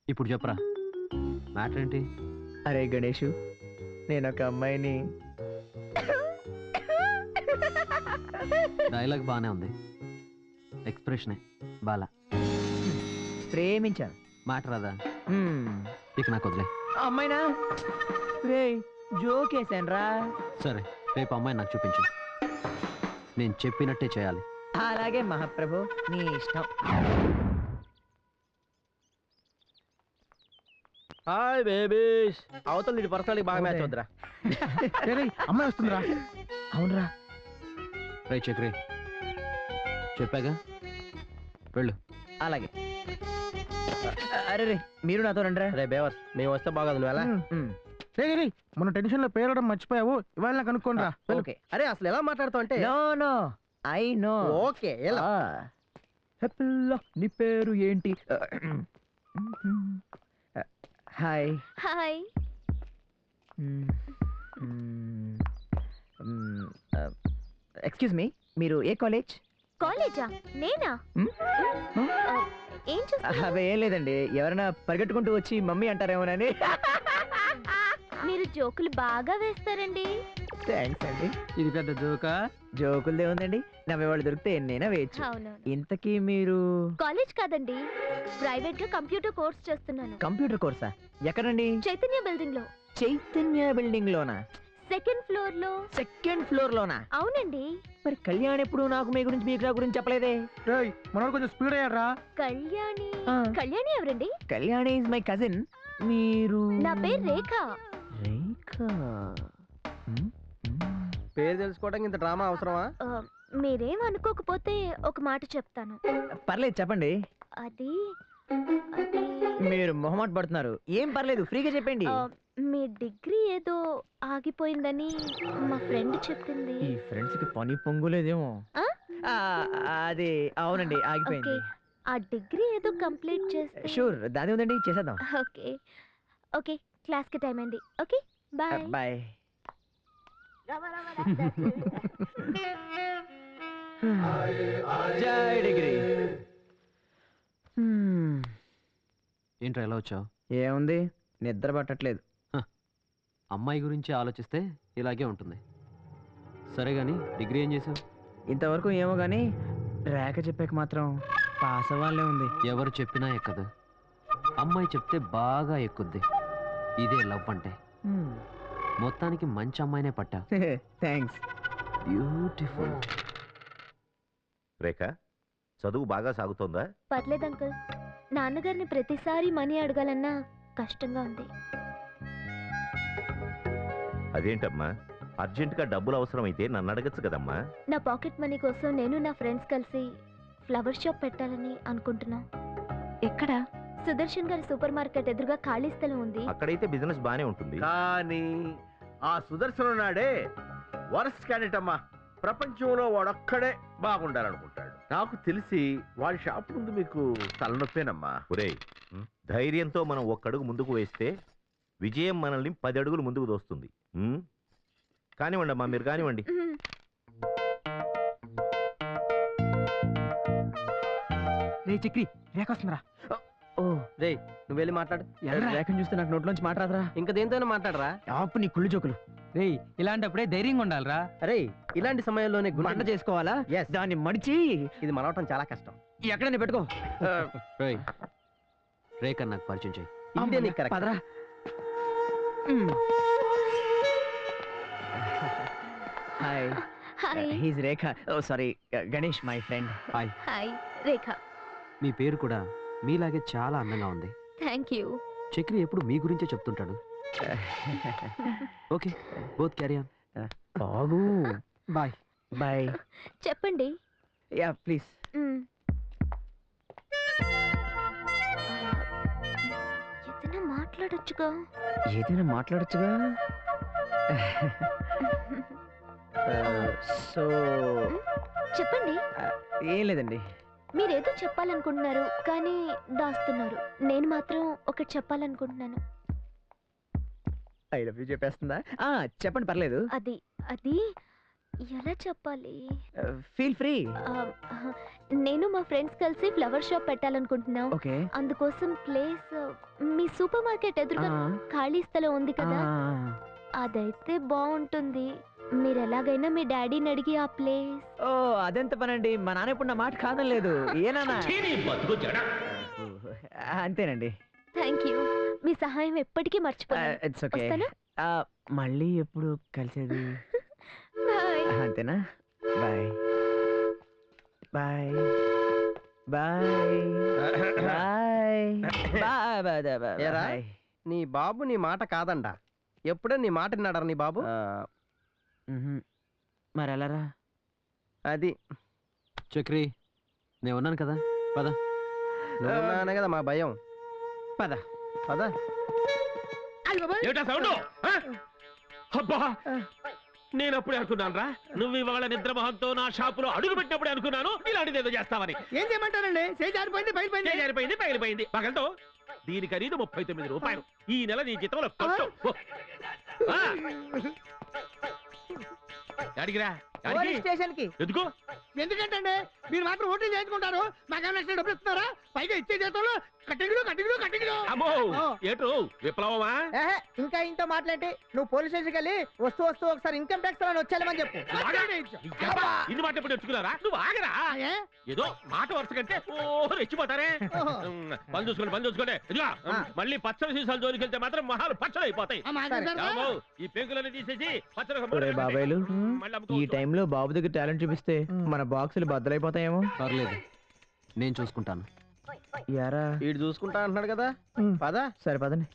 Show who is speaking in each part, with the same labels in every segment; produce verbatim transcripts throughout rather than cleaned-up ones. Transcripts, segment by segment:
Speaker 1: ఇప్పుడు చెప్పరా మ్యాటర్ ఏంటి?
Speaker 2: అరే గణేషు, నేను ఒక అమ్మాయిని
Speaker 1: డైలాగ్ బానే ఉంది, ఎక్స్ప్రెషనే బాలా.
Speaker 2: ప్రేమించాను.
Speaker 1: మ్యాటర్ అదా?
Speaker 2: హ్మ్.
Speaker 1: ఇక నాకు వదిలే.
Speaker 2: అమ్మాయినా? రే జోకేశాను రా.
Speaker 1: సరే, రేపు అమ్మాయి నాకు చూపించు. నేను చెప్పినట్టే చేయాలి.
Speaker 2: అలాగే మహాప్రభు, నీ ఇష్టం.
Speaker 3: Hi babies. అవతల నీ పర్సనల్కి బాగా మ్యాచ్ అవుద్దిరా.
Speaker 2: అమ్మాయి వస్తుందిరా. అవునరా.
Speaker 1: రే చక్రి, చెప్పాగా వెళ్ళు.
Speaker 2: అలాగే. అరే రే, మీరు నాతో రండిరా.
Speaker 3: రే బేవర్స్, మేము వస్తే బాగోదు, నువ్వు ఎలా?
Speaker 4: మన టెన్షన్ లో పేరడం మర్చిపోయావు, ఇవాళ నాకు అనుకోనరా.
Speaker 2: ఓకే.
Speaker 3: అరే అసలు ఎలా మాట్లాడుతావు అంటే?
Speaker 2: No no I know.
Speaker 3: Okay ఎలా?
Speaker 2: హెప్పిల్లో నీ పేరు ఏంటి? హాయ్.
Speaker 5: హాయ్.
Speaker 2: ఎక్స్క్యూజ్ మీ, మీరు ఏ కాలేజ్?
Speaker 5: కాలేజా? నేనా? ఏం చూస్తా?
Speaker 2: అవే ఏం లేదండి, ఎవరైనా పరిగెట్టుకుంటూ వచ్చి మమ్మీ అంటారేమోనని.
Speaker 5: మీరు జోకులు బాగా వేస్తారండి.
Speaker 2: థ్యాంక్స్ అండి.
Speaker 4: ఇది పెద్ద జోకా?
Speaker 2: జోకులదే ఉందండి, నవ్వేవాళ్ళు దొరికితే ఎన్నైనా వేయచ్చు.
Speaker 5: అవునవును.
Speaker 2: ఇంతకీ మీరు?
Speaker 5: కాలేజ్ కాదండి, ప్రైవేట్ గా కంప్యూటర్ కోర్స్ చేస్తున్నాను.
Speaker 2: కంప్యూటర్ కోర్సా? ఎక్కడండి?
Speaker 5: చైతన్య బిల్డింగ్ లో.
Speaker 2: చైతన్య బిల్డింగ్ లోనా?
Speaker 5: సెకండ్ ఫ్లోర్ లో.
Speaker 2: సెకండ్ ఫ్లోర్ లోనా?
Speaker 5: అవునండి.
Speaker 2: మరి కళ్యాణ్ ఎప్పుడు నాకు మీ గురించి మీకు నా గురించి చెప్పలేదే?
Speaker 4: మనోడు కొంచెం స్పీడ్ అయ్యారా?
Speaker 5: కళ్యాణి.
Speaker 2: ఆ.
Speaker 5: కళ్యాణి ఎవరండి?
Speaker 2: Kalyani is my cousin. మీరు?
Speaker 5: నా పేరు రేఖ.
Speaker 2: రేఖ. హ్మ్?
Speaker 3: పేరు తెలుసుకోవడానికి ఇంత డ్రామా అవసరమా?
Speaker 5: ఆ, మీరేం అనుకోకపోతే ఒక మాట చెప్తాను.
Speaker 2: పర్లేదు చెప్పండి.
Speaker 5: అది అది
Speaker 2: మీరు మొహమాట పడుతున్నారు, ఏం పర్లేదు ఫ్రీగా చెప్పండి.
Speaker 5: ఆ, మీ డిగ్రీ ఏదో ఆగిపోయిందని మా ఫ్రెండ్ చెప్పింది.
Speaker 2: ఈ ఫ్రెండ్స్ కి పని పొంగులేదేమో.
Speaker 5: ఆ?
Speaker 2: ఆ, అది అవునండి,
Speaker 5: ఓకే,
Speaker 2: ఆగిపోయింది.
Speaker 5: ఆ డిగ్రీ ఏదో కంప్లీట్ చేస్తే.
Speaker 2: షూర్, దాని ఉందండి, చేసేద్దాం.
Speaker 5: ఓకే ఓకే, క్లాస్ కి టైం అయింది. Okay bye.
Speaker 2: బాయ్. జై డిగ్రీ. హ్మ్.
Speaker 1: ఏంట్రా ఎలా వచ్చావు?
Speaker 2: ఏముంది, నిద్ర పట్టట్లేదు.
Speaker 1: అమ్మాయి గురించి ఆలోచిస్తే ఇలాగే ఉంటుంది. సరే గాని డిగ్రీ ఏం చేసావు?
Speaker 2: ఇంతవరకు ఏమో గానీ రేఖ చెప్పాక మాత్రం పాస్ అవ్వాలే ఉంది.
Speaker 1: ఎవరు చెప్పినా ఎక్కదు, అమ్మాయి చెప్తే బాగా ఎక్కుద్ది. ఇదే లవ్ అంటే. మొత్తానికి మంచి అమ్మాయినే పట్టా.
Speaker 2: థ్యాంక్స్.
Speaker 1: బ్యూటిఫుల్.
Speaker 6: రేఖ, చదువు బాగా సాగుతోందా?
Speaker 5: పర్లేదు అంకుల్, నాన్నగారిని ప్రతిసారి మనీ అడగాలన్నా కష్టంగా ఉంది.
Speaker 6: అదేంటమ్మా, అర్జెంటుగా డబ్బులు అవసరమైతే నన్ను అడగచ్చు కదమ్మా.
Speaker 5: నా పాకెట్ మనీ కోసం నేను నా ఫ్రెండ్స్ కలిసి ఫ్లవర్ షాప్ పెట్టాలని అనుకుంటున్నాం. ఎక్కడ? సుదర్శన్ గారి సూపర్ మార్కెట్ ఎదురుగా ఖాళీ స్థలం ఉంది.
Speaker 6: అక్కడైతే బిజినెస్ బానే ఉంటుంది.
Speaker 3: కానీ ఆ సుదర్శనం నాడే వరస్ట్ క్యాండిడేట్ అమ్మా. ప్రపంచంలో వాడొక్కడే బాగుండాలనుకుంటాడు. నాకు తెలిసి వాడి షాప్ ముందు మీకు తలనొప్పేనమ్మా.
Speaker 6: ఒరేయ్, ధైర్యంతో మనం ఒక్కడుగు ముందుకు వేస్తే విజయం మనల్ని పది అడుగులు ముందుకు దోస్తుంది. ఉమ్? కానివ్వండి అమ్మా, మీరు కానివ్వండి.
Speaker 5: మ్మ్.
Speaker 4: రే చక్రి, రేఖ వస్తుందిరా.
Speaker 2: ఓ
Speaker 3: రే, నువ్వు వెళ్ళి మాట్లాడు.
Speaker 2: రేఖను చూస్తే నాకు నోట్లోంచి మాట్లాడరా.
Speaker 3: ఇంకా దేంతోనే మాట్లాడరా.
Speaker 2: ఆపు నీ కుళ్ళు జోకులు.
Speaker 4: రే, ఇలాంటప్పుడే ధైర్యంగా ఉండాలిరా.
Speaker 3: అరే, ఇలాంటి సమయంలోనే
Speaker 2: మంట
Speaker 3: గుండె
Speaker 2: చేసుకోవాలా?
Speaker 3: Yes.
Speaker 2: దాన్ని మడిచి
Speaker 3: ఇది మనవటం చాలా కష్టం.
Speaker 2: ఎక్కడైనా పెట్టుకో.
Speaker 1: రేయ్, రేఖ నాకు పరిచయం చేయి.
Speaker 3: ఇదే నీకు correct.
Speaker 2: పదరా. Hi,
Speaker 5: hi.
Speaker 2: He's Rekha. Oh sorry, Ganesh my friend.
Speaker 1: Hi.
Speaker 5: Hi Rekha.
Speaker 1: మీ పేరు కూడా మీలాగే చాలా అందంగా ఉంది.
Speaker 5: Thank you.
Speaker 1: చక్రి ఎప్పుడు మీ గురించే చెప్తుంటాడు. Okay, both carry on.
Speaker 2: ఆగు.
Speaker 4: బాయ్.
Speaker 2: బాయ్.
Speaker 5: చెప్పండి.
Speaker 2: Yeah please.
Speaker 5: మ్మ్. ఏదైనా మాట్లాడొచ్చుగా.
Speaker 2: ఏదైనా మాట్లాడొచ్చుగా. సో
Speaker 5: చెప్పండి.
Speaker 2: ఏం లేదండి.
Speaker 5: మీరేదో చెప్పాలనుకుంటున్నారు కానీ దాస్తున్నారు. నేను మాత్రం ఒకటి చెప్పాలనుకుంటున్నాను.
Speaker 2: ఐ లవ్ యూ చెప్పేస్తుందా? ఆ, చెప్పండి పర్లేదు.
Speaker 5: అది అది ఎలా చెప్పాలి?
Speaker 2: Feel free.
Speaker 5: ఆ, నేను మా ఫ్రెండ్స్ కలిసి ఫ్లవర్ షాప్ పెట్టాలనుకుంటున్నాం.
Speaker 2: ఓకే.
Speaker 5: అందుకోసం ప్లేస్ మీ సూపర్ మార్కెట్ ఎదురుగా ఖాళీ స్థలం ఉంది కదా, అదైతే బాగుంటుంది. మీరు ఎలాగైనా మీ డాడీని అడిగి ఆ ప్లేస్.
Speaker 2: ఓ అదెంత పనండి, మా నాన్న ఇప్పుడు నా మాట కాదనలేదు. ఏనా అంతేనండి.
Speaker 5: థ్యాంక్ యూ, మీ సహాయం ఎప్పటికీ మర్చిపోయాను.
Speaker 2: It's okay.
Speaker 5: వస్తాను.
Speaker 2: మళ్ళీ ఎప్పుడు కలిసేది?
Speaker 5: బాయ్.
Speaker 2: అంతేనా? బాయ్ బాయ్ బాయ్ బాయ్
Speaker 4: ఏరా?
Speaker 2: బాయ్.
Speaker 4: నీ బాబు నీ మాట కాదండా, ఎప్పుడే నీ మాట విన్నాడరా నీ బాబు?
Speaker 2: మరి ఎలారా?
Speaker 4: అది
Speaker 1: చక్రి, నేను ఉన్నాను కదా, పద.
Speaker 4: నువ్వున్నానే కదా మా భయం.
Speaker 2: పద
Speaker 4: పద.
Speaker 3: ఏటా సౌండ్? అబ్బా, నేను అప్పుడే అనుకున్నాను రా, నువ్వు ఇవాళ నిద్రమోహంతో నా షాపులో అడుగు పెట్టినప్పుడే అనుకున్నాను ఇలాంటిది ఏదో చేస్తావని.
Speaker 4: ఏం చేయమంటారండి? చేజారిపోయింది, బయలుపోయింది.
Speaker 3: జారిపోయింది పగిలిపోయింది. పగలతో దీని ఖరీదు ముప్పై తొమ్మిది రూపాయలు. ఈ నెల నీ జీతంలో కొట్టు. ఆ. అడిగిరా
Speaker 4: స్టేషన్ కి
Speaker 3: ఎందుకు?
Speaker 4: ఎందుకంటే మీరు మాత్రం ఓట్లు చేయించుకుంటారు, మాకేమైనా డబ్బులు ఇస్తున్నారా? పైగా ఇచ్చే చేతుల్లో కట్టింగులు కట్టింగులు కట్టింగులు.
Speaker 3: అమ్మో, ఏటు విప్లవమా?
Speaker 4: ఇంకా ఇంతో మాట్లాడి నువ్వు పోలీస్ స్టేషన్కి వెళ్ళి వస్తూ వస్తూ ఒకసారి ఇన్కమ్ ట్యాక్స్ అని వచ్చేయాలని చెప్పు.
Speaker 3: ఇన్ని మాట ఎప్పుడు తెచ్చుకున్నారా? నువ్వు ఆగరా? ఏదో మాట వరుస కంటే ఓ రెచ్చిపోతారే. పని చూసుకోండి, పని చూసుకోండి. ఇదిగా మళ్ళీ పచ్చడి సీసాలు జోలికి వెళ్తే మాత్రం మహాలు పచ్చడి అయిపోతాయి. అమ్మో, ఈ పెంకులన్నీ తీసేసి పచ్చడి
Speaker 2: బాబాయ్లు, ఈ టైంలో బాబు దగ్గర టాలెంట్ చూపిస్తే మన బాక్సులు బద్దలైపోతాయేమో.
Speaker 1: పర్లేదు, నేను చూసుకుంటాను.
Speaker 2: యారా,
Speaker 4: వీడు చూసుకుంటా అంటున్నాడు కదా, పద.
Speaker 2: సరే పదండి.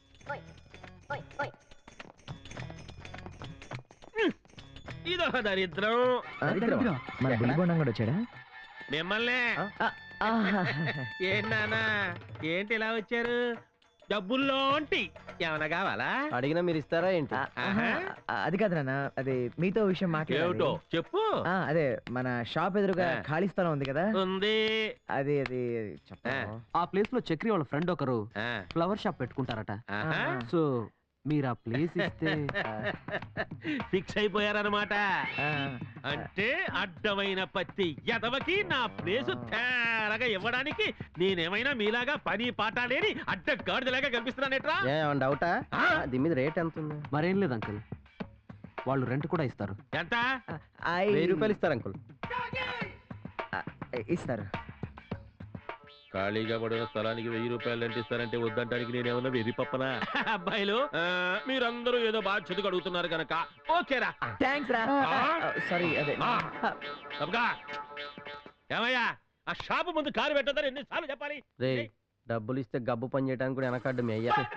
Speaker 3: ఇదొక దరిద్రం.
Speaker 2: మన బుల్లిబొండం కూడా వచ్చాడా?
Speaker 3: మిమ్మల్నే. ఏంటన్నా, ఏంటి ఇలా వచ్చారు? డబ్బుల్లోంటి ఏమన్నా కావాలా?
Speaker 4: అడిగినా మీరు ఇస్తారా ఏంటి?
Speaker 2: అది కాదు నాన్న, అదే మీతో విషయం
Speaker 3: ఏమిటో
Speaker 2: మాట్లాడాలి.
Speaker 3: చెప్పు.
Speaker 2: ఆ, అదే మన షాప్ ఎదురుగా
Speaker 3: ఆ.
Speaker 2: ఖాళీ స్థలం ఉంది కదా,
Speaker 3: ఉంది.
Speaker 2: అది అది చెప్తాను.
Speaker 1: ఆ ప్లేస్ లో చక్రి వాళ్ళ ఫ్రెండ్ ఒకరు
Speaker 3: ఆ,
Speaker 1: ఫ్లవర్ షాప్ పెట్టుకుంటారట.
Speaker 3: ఆహా.
Speaker 1: సో మీరు ఆ ప్లేస్ ఇస్తే
Speaker 3: ఫిక్స్ అయిపోయారన్నమాట.
Speaker 2: ఆ,
Speaker 3: అంటే అడ్డమైన పత్తి ఎదవకి నా ప్లేసు తేరగా ఇవ్వడానికి నేనేమైనా మీలాగా పని పాట లేని అడ్డ గాడిదలాగా కనిపిస్తున్నానేట్రా?
Speaker 4: ఏమన్నా డౌటా?
Speaker 3: ఆ?
Speaker 4: దీని మీద రేట్ ఎంత ఉంది?
Speaker 1: మరేం లేదు అంకుల్, వాళ్ళు రెంట్ కూడా ఇస్తారు.
Speaker 3: ఎంత?
Speaker 2: ఐ-
Speaker 4: వెయ్యి రూపాయలు ఇస్తారు అంకుల్.
Speaker 2: ఆ, ఇస్తారు.
Speaker 3: ఖాళీగా పడిన స్థలానికి వెయ్యి రూపాయలు అంటే ఇస్తారంటే వద్దంటానికి నేనేమన్నా వెర్రి పప్పనా? అబ్బాయిలు, ఆ, మీరందరూ ఏదో బాధ్యతగా అడుగుతున్నారు కనుక ఓకేరా.
Speaker 2: థ్యాంక్స్ రా.
Speaker 3: ఆ?
Speaker 2: సారీ, అదే
Speaker 3: ఆ. తప్పగా. ఏమయ్యా, ఆ షాపు ముందు కారు పెట్టొద్దని ఎన్నిసార్లు చెప్పాలి?
Speaker 4: రే, డబ్బులు ఇస్తే గబ్బు పని చేయడానికి కూడా వెనకడ్డు మీ అయ్యా.